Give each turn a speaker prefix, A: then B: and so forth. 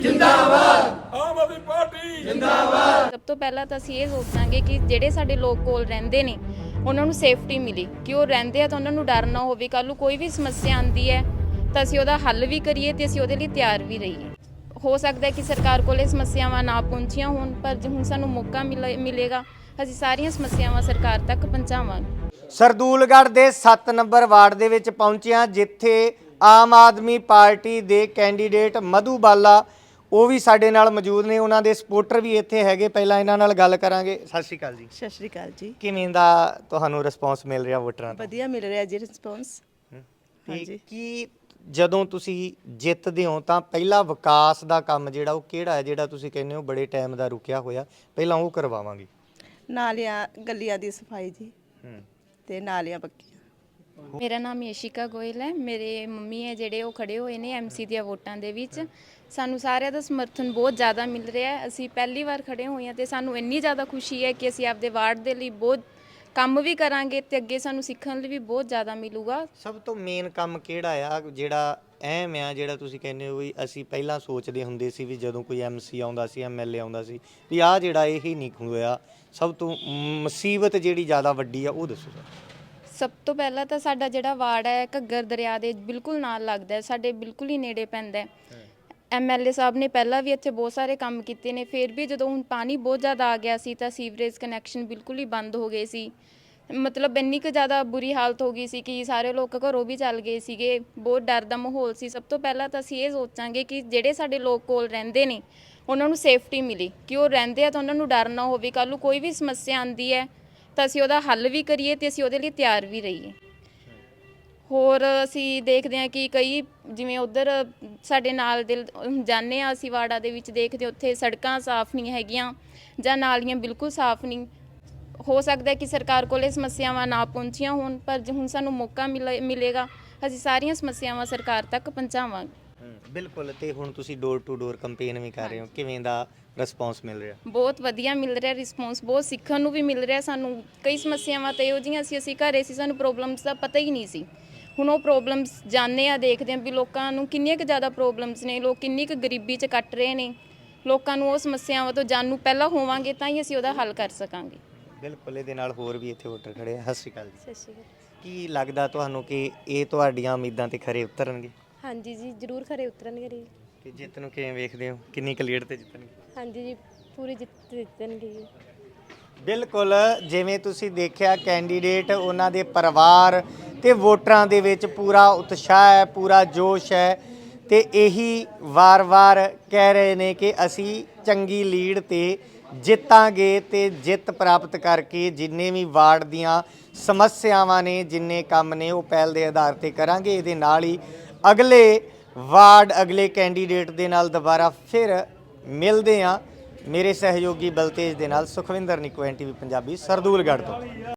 A: ਜਿੰਦਾਬਾਦ। ਆਮ ਆਦਮੀ ਪਾਰਟੀ ਜਿੰਦਾਬਾਦ।
B: ਸਭ ਤੋਂ ਪਹਿਲਾਂ ਤਾਂ ਅਸੀਂ ਇਹ ਸੋਚਾਂਗੇ ਕਿ ਜਿਹੜੇ ਸਾਡੇ ਲੋਕ ਕੋਲ ਰਹਿੰਦੇ ਨੇ ਉਹਨਾਂ ਨੂੰ ਸੇਫਟੀ ਮਿਲੇ, ਕਿ ਉਹ ਰਹਿੰਦੇ ਆ ਤਾਂ ਉਹਨਾਂ ਨੂੰ ਡਰ ਨਾ ਹੋਵੇ, ਕੱਲ੍ਹ ਨੂੰ ਕੋਈ ਵੀ ਸਮੱਸਿਆ ਆਉਂਦੀ ਹੈ ਤਾਂ ਅਸੀਂ ਉਹਦਾ ਹੱਲ ਵੀ ਕਰੀਏ ਤੇ ਅਸੀਂ ਉਹਦੇ ਲਈ ਤਿਆਰ ਵੀ ਰਹੀਏ। ਹੋ ਸਕਦਾ ਹੈ ਕਿ ਸਰਕਾਰ ਕੋਲ ਇਹ ਸਮੱਸਿਆਵਾਂ ਨਾ ਪਹੁੰਚੀਆਂ ਹੋਣ, ਪਰ ਜੇ ਹੁਣ ਸਾਨੂੰ ਮੌਕਾ ਮਿਲੇਗਾ ਅਸੀਂ ਸਾਰੀਆਂ ਸਮੱਸਿਆਵਾਂ ਸਰਕਾਰ ਤੱਕ ਪਹੁੰਚਾਵਾਂਗੇ।
C: ਸਰਦੂਲਗੜ੍ਹ ਦੇ 7 ਨੰਬਰ ਵਾਰਡ ਦੇ ਵਿੱਚ ਪਹੁੰਚਿਆ, ਜਿੱਥੇ ਆਮ ਆਦਮੀ ਪਾਰਟੀ ਦੇ ਕੈਂਡੀਡੇਟ ਮਧੂ ਬਾਲਾ ਉਹ ਵੀ ਸਾਡੇ ਨਾਲ ਮੌਜੂਦ ਨੇ, ਉਹਨਾਂ ਦੇ ਸਪੋਰਟਰ ਵੀ ਇੱਥੇ ਹੈਗੇ। ਪਹਿਲਾਂ ਇਹਨਾਂ ਨਾਲ ਗੱਲ ਕਰਾਂਗੇ। ਸਤਿ ਸ਼੍ਰੀ ਅਕਾਲ ਜੀ।
D: ਸਤਿ ਸ਼੍ਰੀ ਅਕਾਲ ਜੀ।
C: ਕਿਵੇਂ ਦਾ ਤੁਹਾਨੂੰ ਰਿਸਪੌਂਸ ਮਿਲ ਰਿਹਾ ਵੋਟਰਾਂ ਤੋਂ?
D: ਵਧੀਆ ਮਿਲ ਰਿਹਾ ਜੀ ਰਿਸਪੌਂਸ।
C: ਹਾਂਜੀ। ਕੀ ਜਦੋਂ ਤੁਸੀਂ ਜਿੱਤਦੇ ਹੋ ਤਾਂ ਪਹਿਲਾ ਵਿਕਾਸ ਦਾ ਕੰਮ ਜਿਹੜਾ ਉਹ ਕਿਹੜਾ ਹੈ ਜਿਹੜਾ ਤੁਸੀਂ ਕਹਿੰਦੇ ਹੋ ਬੜੇ ਟਾਈਮ ਦਾ ਰੁਕਿਆ ਹੋਇਆ, ਪਹਿਲਾਂ ਉਹ ਕਰਵਾਵਾਂਗੇ?
D: ਨਾਲੀਆਂ ਗਲੀਆਂ ਦੀ ਸਫਾਈ ਜੀ ਤੇ ਨਾਲੀਆਂ ਪੱਕੀਆਂ।
B: ਮੇਰਾ ਨਾਮ ਯਸ਼ਿਕਾ ਗੋਇਲ ਹੈ। ਮੇਰੇ ਮੰਮੀ ਹੈ ਜਿਹੜੇ ਉਹ ਖੜੇ ਹੋਏ ਨੇ ਐਮਸੀ ਦੀਆਂ ਵੋਟਾਂ ਦੇ ਵਿੱਚ। ਸਾਨੂੰ ਸਾਰਿਆਂ ਦਾ ਸਮਰਥਨ ਬਹੁਤ ਜ਼ਿਆਦਾ ਮਿਲ ਰਿਹਾ ਹੈ। ਅਸੀਂ ਪਹਿਲੀ ਵਾਰ ਖੜੇ ਹੋਏ ਹਾਂ ਤੇ ਸਾਨੂੰ ਇੰਨੀ ਜ਼ਿਆਦਾ ਖੁਸ਼ੀ ਹੈ ਕਿ ਅਸੀਂ ਆਪਦੇ ਵਾਰਡ ਦੇ ਲਈ ਬਹੁਤ ਕੰਮ ਵੀ ਕਰਾਂਗੇ ਤੇ ਅੱਗੇ ਸਾਨੂੰ ਸਿੱਖਣ ਲਈ ਵੀ ਬਹੁਤ ਜ਼ਿਆਦਾ ਮਿਲੂਗਾ।
C: ਸਭ ਤੋਂ ਮੇਨ ਕੰਮ ਕਿਹੜਾ ਆ ਜਿਹੜਾ ਅਹਿਮ ਆ, ਜਿਹੜਾ ਤੁਸੀਂ ਕਹਿੰਦੇ ਹੋ ਵੀ ਅਸੀਂ ਪਹਿਲਾਂ ਸੋਚਦੇ ਹੁੰਦੇ ਸੀ ਵੀ ਜਦੋਂ ਕੋਈ ਐਮਸੀ ਆਉਂਦਾ ਸੀ, ਐਮਐਲਏ ਆਉਂਦਾ ਸੀ ਵੀ ਆਹ ਜਿਹੜਾ ਇਹ ਨਹੀਂ ਹੋਇਆ, ਸਭ ਤੋਂ ਮੁਸੀਬਤ ਜਿਹੜੀ ਜ਼ਿਆਦਾ ਵੱਡੀ ਆ ਉਹ ਦੱਸੋ ਸਰ।
B: ਸਭ ਤੋਂ ਪਹਿਲਾਂ ਤਾਂ ਸਾਡਾ ਜਿਹੜਾ ਵਾਰਡ ਹੈ ਘੱਗਰ ਦਰਿਆ ਦੇ ਬਿਲਕੁਲ ਨਾਲ ਲੱਗਦਾ ਹੈ, ਸਾਡੇ ਬਿਲਕੁਲ ਹੀ ਨੇੜੇ ਪੈਂਦਾ ਹੈ। ਐਮਐਲਏ ਸਾਹਿਬ ਨੇ ਪਹਿਲਾਂ ਵੀ ਇੱਥੇ ਬਹੁਤ ਸਾਰੇ ਕੰਮ ਕੀਤੇ ਨੇ, ਫਿਰ ਵੀ ਜਦੋਂ ਹੁਣ ਪਾਣੀ ਬਹੁਤ ਜ਼ਿਆਦਾ ਆ ਗਿਆ ਸੀ ਤਾਂ ਸੀਵਰੇਜ ਕਨੈਕਸ਼ਨ ਬਿਲਕੁਲ ਹੀ ਬੰਦ ਹੋ ਗਏ ਸੀ। ਮਤਲਬ ਇੰਨੀ ਕੁ ਜ਼ਿਆਦਾ ਬੁਰੀ ਹਾਲਤ ਹੋ ਗਈ ਸੀ ਕਿ ਸਾਰੇ ਲੋਕ ਘਰੋਂ ਵੀ ਚੱਲ ਗਏ ਸੀਗੇ, ਬਹੁਤ ਡਰ ਦਾ ਮਾਹੌਲ ਸੀ। ਸਭ ਤੋਂ ਪਹਿਲਾਂ ਤਾਂ ਅਸੀਂ ਇਹ ਸੋਚਾਂਗੇ ਕਿ ਜਿਹੜੇ ਸਾਡੇ ਲੋਕ ਕੋਲ ਰਹਿੰਦੇ ਨੇ ਉਹਨਾਂ ਨੂੰ ਸੇਫਟੀ ਮਿਲੇ, ਕਿ ਉਹ ਰਹਿੰਦੇ ਆ ਤਾਂ ਉਹਨਾਂ ਨੂੰ ਡਰ ਨਾ ਹੋਵੇ, ਕੱਲ੍ਹ ਨੂੰ ਕੋਈ ਵੀ ਸਮੱਸਿਆ ਆਉਂਦੀ ਹੈ ਤਾਂ ਅਸੀਂ ਉਹਦਾ ਹੱਲ ਵੀ ਕਰੀਏ ਤੇ ਅਸੀਂ ਉਹਦੇ ਲਈ ਤਿਆਰ ਵੀ ਰਹੀਏ। ਹੋਰ ਅਸੀਂ ਦੇਖਦੇ ਹਾਂ ਕਿ ਕਈ ਜਿਵੇਂ ਉੱਧਰ ਸਾਡੇ ਨਾਲ ਦੇ ਜਾਂਦੇ ਹਾਂ ਅਸੀਂ ਵਾਰਡਾਂ ਦੇ ਵਿੱਚ, ਦੇਖਦੇ ਉੱਥੇ ਸੜਕਾਂ ਸਾਫ਼ ਨਹੀਂ ਹੈਗੀਆਂ ਜਾਂ ਨਾਲੀਆਂ ਬਿਲਕੁਲ ਸਾਫ਼ ਨਹੀਂ। ਹੋ ਸਕਦਾ ਕਿ ਸਰਕਾਰ ਕੋਲ ਇਹ ਸਮੱਸਿਆਵਾਂ ਨਾ ਪਹੁੰਚੀਆਂ ਹੋਣ, ਪਰ ਜੇ ਹੁਣ ਸਾਨੂੰ ਮੌਕਾ ਮਿਲੇਗਾ ਅਸੀਂ ਸਾਰੀਆਂ ਸਮੱਸਿਆਵਾਂ ਸਰਕਾਰ ਤੱਕ ਪਹੁੰਚਾਵਾਂਗੇ।
C: ਬਿਲਕੁਲ। ਤੇ ਹੁਣ ਤੁਸੀਂ ਡੋਰ ਟੂ ਡੋਰ ਕੰਪੇਨ ਵੀ ਕਰ ਰਹੇ ਹੋ, ਕਿਵੇਂ ਦਾ ਰਿਸਪੌਂਸ ਮਿਲ ਰਿਹਾ?
B: ਬਹੁਤ ਵਧੀਆ ਮਿਲ ਰਿਹਾ ਰਿਸਪੌਂਸ, ਬਹੁਤ ਸਿੱਖਣ ਨੂੰ ਵੀ ਮਿਲ ਰਿਹਾ ਸਾਨੂੰ। ਕਈ ਸਮੱਸਿਆਵਾਂ ਤਾਂ ਇਹੋ ਜਿਹੀਆਂ ਸੀ, ਅਸੀਂ ਘਰੇ ਸੀ, ਸਾਨੂੰ ਪ੍ਰੋਬਲਮਸ ਦਾ ਪਤਾ ਹੀ ਨਹੀਂ ਸੀ। ਹੁਣ ਉਹ ਪ੍ਰੋਬਲਮਸ ਜਾਣਦੇ ਆ, ਦੇਖਦੇ ਆ ਵੀ ਲੋਕਾਂ ਨੂੰ ਕਿੰਨੀਆਂ ਕੁ ਜ਼ਿਆਦਾ ਪ੍ਰੋਬਲਮਸ ਨੇ, ਲੋਕ ਕਿੰਨੀ ਕੁ ਗਰੀਬੀ 'ਚ ਕੱਟ ਰਹੇ ਨੇ। ਲੋਕਾਂ ਨੂੰ ਉਹ ਸਮੱਸਿਆਵਾਂ ਤੋਂ ਜਾਣੂ ਪਹਿਲਾਂ ਹੋਵਾਂਗੇ ਤਾਂ ਹੀ ਅਸੀਂ ਉਹਦਾ ਹੱਲ ਕਰ ਸਕਾਂਗੇ।
C: ਬਿਲਕੁਲ। ਇਹਦੇ ਨਾਲ ਹੋਰ ਵੀ ਇੱਥੇ ਵੋਟਰ ਖੜੇ ਆ। ਸਤਿ ਸ਼੍ਰੀ ਅਕਾਲ ਜੀ।
E: ਸਤਿ ਸ਼੍ਰੀ ਅਕਾਲ।
C: ਕੀ ਲੱਗਦਾ ਤੁਹਾਨੂੰ ਕਿ ਇਹ ਤੁਹਾਡੀਆਂ ਉਮੀਦਾਂ ਤੇ ਖਰੇ ਉਤਰਨਗੇ?
E: ਹਾਂਜੀ ਜੀ, ਜ਼ਰੂਰ ਖਰੇ ਉਤਰਨਗੇ ਜੀ।
C: ਤੇ ਜਿੱਤ ਨੂੰ ਕਿਵੇਂ ਵੇਖਦੇ ਹੋ, ਕਿੰਨੀ ਕੁ ਲੀਡ ਤੇ ਜਿੱਤਣਗੇ?
E: ਹਾਂਜੀ ਜੀ, ਪੂਰੀ ਜਿੱਤ ਜਿੱਤਣਗੇ ਜੀ।
C: ਬਿਲਕੁਲ। ਜਿਵੇਂ ਤੁਸੀਂ ਦੇਖਿਆ ਕੈਂਡੀਡੇਟ, ਉਹਨਾਂ ਦੇ ਪਰਿਵਾਰ ਤੇ ਵੋਟਰਾਂ ਦੇ ਵਿੱਚ ਪੂਰਾ ਉਤਸ਼ਾਹ ਹੈ, ਪੂਰਾ ਜੋਸ਼ ਹੈ ਤੇ ਇਹੀ ਵਾਰ-ਵਾਰ ਕਹਿ ਰਹੇ ਨੇ ਕਿ ਅਸੀਂ ਚੰਗੀ ਲੀਡ ਤੇ ਜਿੱਤਾਂਗੇ ਤੇ ਜਿੱਤ ਪ੍ਰਾਪਤ ਕਰਕੇ ਜਿੰਨੇ ਵੀ ਵਾਰਡ ਦੀਆਂ ਸਮੱਸਿਆਵਾਂ ਨੇ, ਜਿੰਨੇ ਕੰਮ ਨੇ ਉਹ ਪਹਿਲ ਦੇ ਆਧਾਰ ਤੇ ਕਰਾਂਗੇ। ਇਹਦੇ ਨਾਲ ਹੀ ਅਗਲੇ ਵਾਰਡ, ਅਗਲੇ ਕੈਂਡੀਡੇਟ ਦੇ ਨਾਲ ਦੁਬਾਰਾ ਫਿਰ ਮਿਲਦੇ ਹਾਂ। ਮੇਰੇ ਸਹਿਯੋਗੀ ਬਲਤੇਜ ਦੇ ਨਾਲ ਸੁਖਵਿੰਦਰ ਨਿੱਕੂ, NTV ਪੰਜਾਬੀ, ਸਰਦੂਲਗੜ੍ਹ ਤੋਂ।